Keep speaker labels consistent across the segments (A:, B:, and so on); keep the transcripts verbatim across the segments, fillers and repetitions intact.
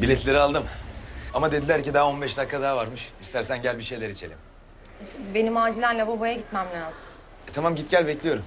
A: Biletleri aldım. Ama dediler ki daha on beş dakika daha varmış. İstersen gel bir şeyler içelim.
B: Benim acilen lavaboya gitmem lazım.
A: E, tamam git gel bekliyorum.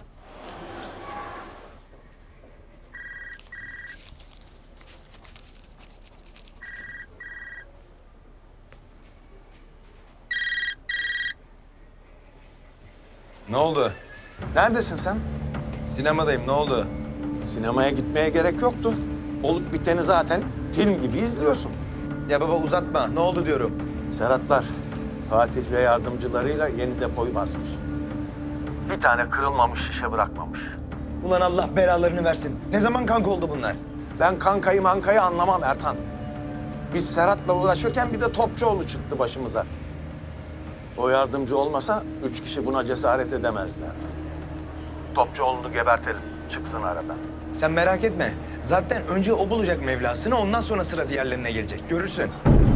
A: Ne oldu?
C: Neredesin sen?
A: Sinemadayım, ne oldu?
C: Sinemaya gitmeye gerek yoktu. Olup biteni zaten film gibi izliyorsun.
A: Ya baba uzatma, ne oldu diyorum.
C: Serhatlar Fatih ve yardımcılarıyla yeni depoyu basmış. Bir tane kırılmamış şişe bırakmamış.
A: Ulan Allah belalarını versin. Ne zaman kanka oldu bunlar?
C: Ben kankayı mankayı anlamam Ertan. Biz Serhat'la uğraşırken bir de Topçuoğlu çıktı başımıza. O yardımcı olmasa üç kişi buna cesaret edemezler. Topçuoğlu'nu gebertelim, çıksın aradan.
A: Sen merak etme. Zaten önce o bulacak Mevlasını, ondan sonra sıra diğerlerine gelecek. Görürsün.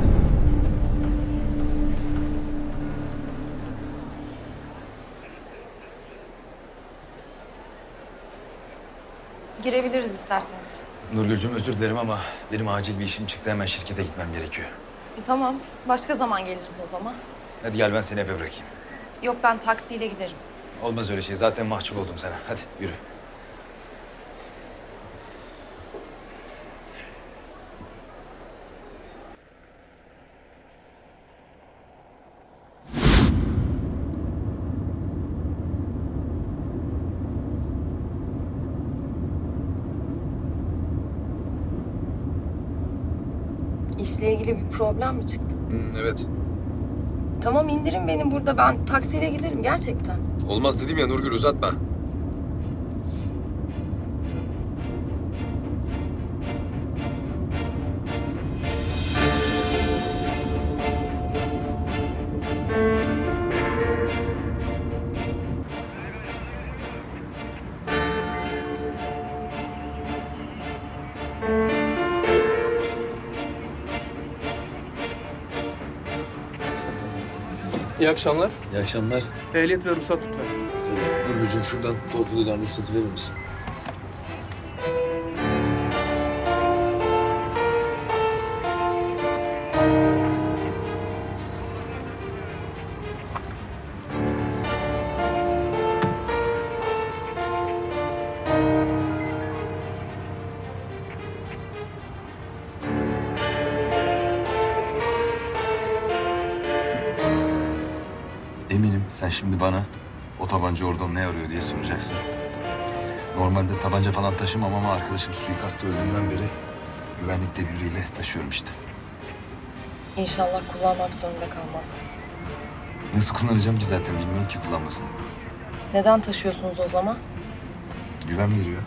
B: Girebiliriz isterseniz.
A: Nurgül'cüğüm özür dilerim ama benim acil bir işim çıktı. Hemen şirkete gitmem gerekiyor.
B: Tamam, başka zaman geliriz o zaman.
A: Hadi gel ben seni eve bırakayım.
B: Yok, ben taksiyle giderim.
A: Olmaz öyle şey. Zaten mahcup oldum sana. Hadi yürü.
B: İşle ilgili bir problem mi çıktı?
D: Evet.
B: Tamam, indirin beni burada. Ben taksiyle giderim gerçekten.
D: Olmaz dedim ya Nurgül, uzatma.
E: İyi akşamlar.
D: İyi akşamlar.
E: Ehliyet ve ruhsat lütfen.
D: Tabii. Nurgül'cüğüm şuradan torpidodan ruhsatı verir misin?
A: Eminim sen şimdi bana o tabanca oradan ne arıyor diye soracaksın. Normalde tabanca falan taşımam ama arkadaşım suikasta öldüğünden beri güvenlik tedbiriyle taşıyorum işte.
B: İnşallah kullanmak zorunda kalmazsınız.
A: Nasıl kullanacağım ki zaten bilmiyorum ki kullanmasını.
B: Neden taşıyorsunuz o zaman?
A: Güven veriyor.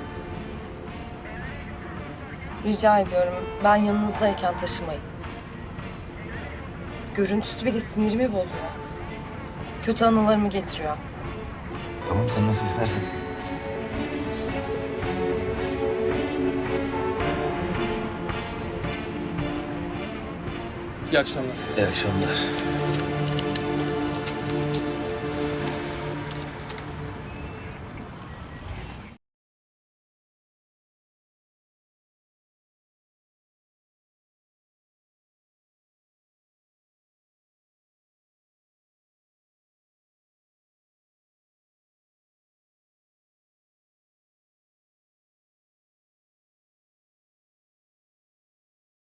B: Rica ediyorum, ben yanınızdayken taşımayın. Görüntüsü bile sinirimi bozuyor. Kötü anılarımı getiriyor aklıma.
A: Tamam sen nasıl istersen.
E: İyi akşamlar.
D: İyi akşamlar.